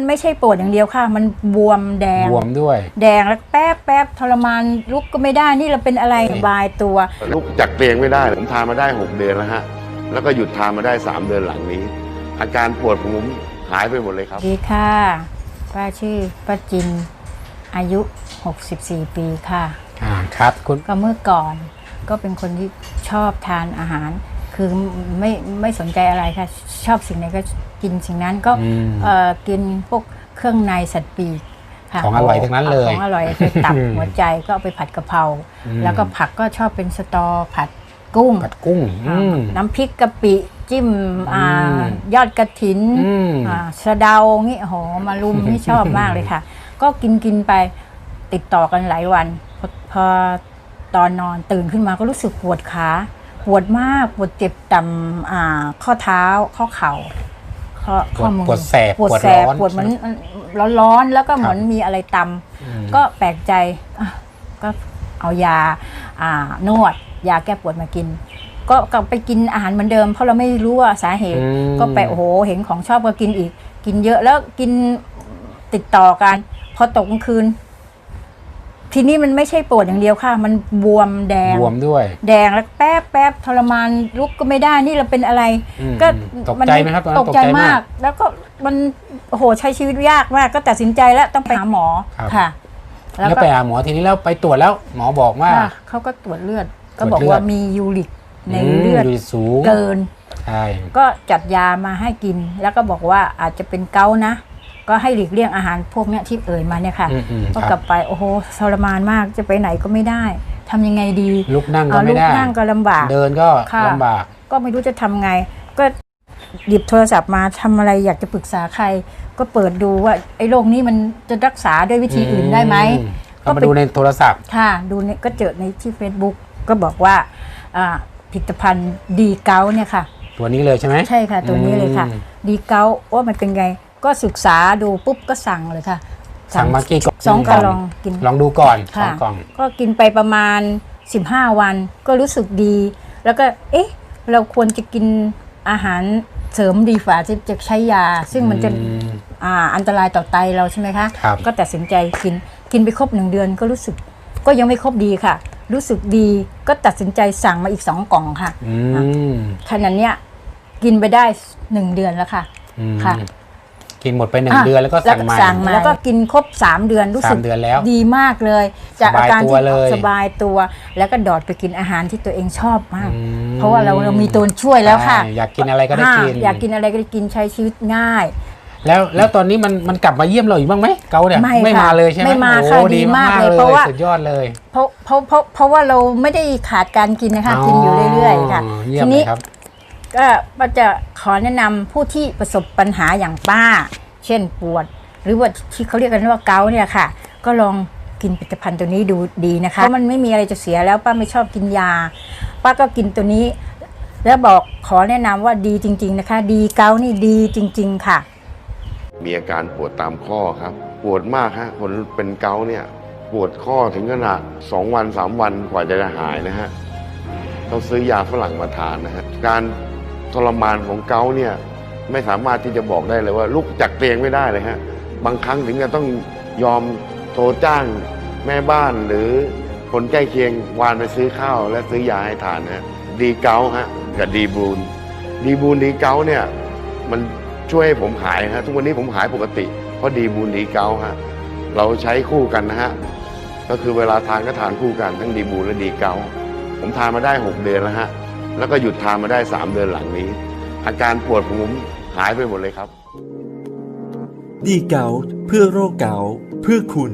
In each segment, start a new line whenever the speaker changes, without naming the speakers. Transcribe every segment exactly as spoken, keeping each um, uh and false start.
ไม่ใช่ปวดอย่างเดียวค่ะมันบวมแดง
บวมด้วย
แดงแล้วแป๊บแป๊บทรมานลุกก็ไม่ได้นี่เราเป็นอะไรสบายตัว
ลุกจากเตียงไม่ได้ผมทานมาได้หกเดือนแล้วฮะแล้วก็หยุดทานมาได้สามเดือนหลังนี้อาการปวดผมหายไปหมดเลยครับ
ดีค่ะป้าชื่อป้าจินอายุหกสิบสี่ปีค่ะ
อ่าครับคุณ
ก็เมื่อก่อนก็เป็นคนที่ชอบทานอาหารคือไม่ไม่สนใจอะไรค่ะชอบสิ่งไหนก็กินสิ่งนั้นก็เอ่อกินพวกเครื่องในสัตว์ปีกค่ะ
ของอร่อยทั้งนั้นเลย
ของอร่อยไปตับหัวใจก็เอาไปผัดกะเพราแล้วก็ผักก็ชอบเป็นสตอผัดกุ้ง
ผัดกุ้ง
น้ำพริกกะปิจิ้มยอดกระถินสะเดางี้โหมารุมนี่ชอบมากเลยค่ะก็กินกินไปติดต่อกันหลายวันพอตอนนอนตื่นขึ้นมาก็รู้สึกปวดขาปวดมากปวดเจ็บต่ำข้อเท้าข้อเข่า
ข้อมือปวดแสบ
ปวดแสบปวดเหมือนร้อนๆแล้วก็เหมือนมีอะไรตำก็แปลกใจก็เอายานวดยาแก้ปวดมากินก็กลับไปกินอาหารเหมือนเดิมเพราะเราไม่รู้ว่าสาเหตุก็ไปโอ้โหเห็นของชอบก็กินอีกกินเยอะแล้วกินติดต่อกันพอตกกลางคืนทีนี้มันไม่ใช่ปวดอย่างเดียวค่ะมันบวมแดง
บวมด้วย
แดงแล้วแป๊บแป๊บทรมานลุกก็ไม่ได้นี่เราเป็นอะไร
ก็ตกใจไหมครับ
ตกใจมากแล้วก็มันโอ้โหใช้ชีวิตยากมากก็ตัดสินใจแล้วต้องไปหาหมอค่ะ
แล้วไปหาหมอทีนี้แล้วไปตรวจแล้วหมอบอกว่า
เขาก็ตรวจเลือดก็บอกว่ามียูริกในเลือด
สูง
เกิน
ใช่
ก็จัดยามาให้กินแล้วก็บอกว่าอาจจะเป็นเกาต์นะก็ให้หลีกเลี่ยงอาหารพวกนี้ที่เอ่ยมาเนี่ยค่ะก็กลับไปโอ้โหทรมานมากจะไปไหนก็ไม่ได้ทำยังไงดี
ลุกนั่งก็ไม่ได้
ลุกนั่งก็ลำบาก
เดินก็ลำบาก
ก็ไม่รู้จะทำไงก็หยิบโทรศัพท์มาทำอะไรอยากจะปรึกษาใครก็เปิดดูว่าไอ้โรคนี้มันจะรักษาด้วยวิธีอื่นได้ไหม
ก็มาดูในโทรศัพท์
ค่ะดูเนี่ยก็เจอในที่ Facebook ก็บอกว่าผลิตภัณฑ์ดีเกาเนี่ยค่ะ
ตัวนี้เลยใช่ไหม
ใช่ค่ะตัวนี้เลยค่ะดีเกาว่ามันเป็นไงก็ศึกษาดูปุ๊บก็สั่งเลยค่ะ
สั่งมากี่กล่อง
สองกล่องกิน
ลองดูก่อนสองกล่อง
ก็กินไปประมาณสิบห้าวันก็รู้สึกดีแล้วก็เอ๊ะเราควรจะกินอาหารเสริมดีฝ่าจะจะใช้ยาซึ่งมันจะอ่าอันตรายต่อไตเราใช่ไหมคะก็ตัดสินใจกินกินไปครบหนึ่งเดือนก็รู้สึกก็ยังไม่ครบดีค่ะรู้สึกดีก็ตัดสินใจสั่งมาอีกสองกล่องค่ะขนาดเนี้ยกินไปได้หนึ่งเดือนแล้วค่ะค่ะ
กินหมดไปหนึ่งเดือนแล้วก็สั่งใหม่
แล้วก็กินครบสามเดือนรู้สึกดีมากเลยจากอาการที่สบายตัวแล้วก็ดอดไปกินอาหารที่ตัวเองชอบมากเพราะว่าเราเรามีตัวช่วยแล้วค่ะ
อยากกินอะไรก็ได้กิน
อยากกินอะไรก็ได้กินใช้ชีวิตง่าย
แล้วแล้วตอนนี้มันมันกลับมาเยี่ยมเราอีกบ้างไหมเกาเนี่ยไม่มาเลยใช่ไหม
ไม่มาค่ะดีมากเลยเพราะว่า
สุดยอดเลย
เพราะเพราะเพราะเพราะว่าเราไม่ได้ขาดการกินนะคะกินอยู่เรื่อยๆค่ะทีนี้ก็ป้าจะขอแนะนำผู้ที่ประสบปัญหาอย่างป้าเช่นปวดหรือว่าที่เขาเรียกกันว่าเกาต์เนี่ยค่ะก็ลองกินผลิตภัณฑ์ตัวนี้ดูดีนะคะเพราะมันไม่มีอะไรจะเสียแล้วป้าไม่ชอบกินยาป้าก็กินตัวนี้แล้วบอกขอแนะนำว่าดีจริงๆนะคะดีเกาต์นี่ดีจริงๆค่ะ
มีอาการปวดตามข้อครับปวดมากฮะคนเป็นเกาต์เนี่ยปวดข้อถึงขนาดสองวันสามวันกว่าจะหายนะฮะต้องซื้อยาฝรั่งมาทานนะฮะการทรมานของเกาต์เนี่ยไม่สามารถที่จะบอกได้เลยว่าลุกจากเตียงไม่ได้เลยฮะบางครั้งถึงจะต้องยอมโทรจ้างแม่บ้านหรือคนใกล้เคียงวานไปซื้อข้าวและซื้อยาให้ทานฮะดีเกาต์ฮะกับดีบูนดีบูนดีเกาต์เนี่ยมันช่วยให้ผมหายฮะทุกวันนี้ผมหายปกติเพราะดีบูนดีเกาต์ฮะเราใช้คู่กันนะฮะก็คือเวลาทานก็ทานคู่กันทั้งดีบูนและดีเกาต์ผมทานมาได้หกเดือนแล้วฮะแล้วก็หยุดทานมาได้สามเดือนหลังนี้อาการปวดผมหายไปหมดเลยครับ
ดีเกาต์เพื่อโรคเกาต์เพื่อคุณ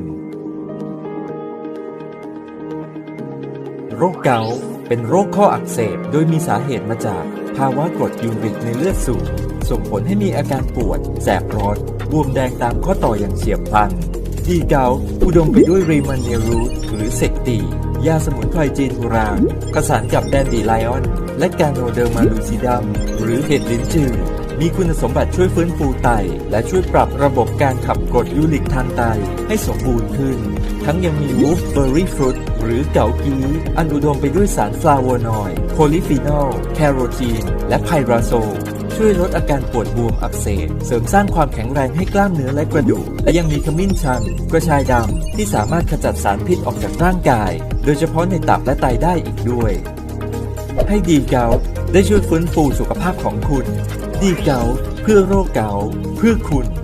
โรคเกาต์เป็นโรคข้ออักเสบโดยมีสาเหตุมาจากภาวะกรดยูริกในเลือดสูงส่งผลให้มีอาการปวดแสบร้อนบวมแดงตามข้อต่ออย่างเฉียบพลันดีเกาต์อุดมไปด้วยรีมันเนรูทหรือเซกตียาสมุนไพรจีนโบราณผสานกับแดนดีไลออนและกาโนเดอร์มาลูซิดัมหรือเห็ดลิ้นจือมีคุณสมบัติช่วยฟื้นฟูไตและช่วยปรับระบบการขับกรดยูริกทางไตให้สมบูรณ์ขึ้นทั้งยังมีวูฟเบอร์รี่ฟรุตหรือเกากีอันอุดมไปด้วยสารฟลาโวนอยด์โพลีฟีนอลแคโรทีนและไพราโซลช่วยช่วยลดอาการปวดบวมอักเสบเสริมสร้างความแข็งแรงให้กล้ามเนื้อและกระดูกและยังมีขมิ้นชันกระชายดำที่สามารถขจัดสารพิษออกจากร่างกายโดยเฉพาะในตับและไตได้อีกด้วยให้ดีเกาต์ได้ช่วยฟื้นฟูสุขภาพของคุณดีเกาต์เพื่อโรคเกาต์เพื่อคุณ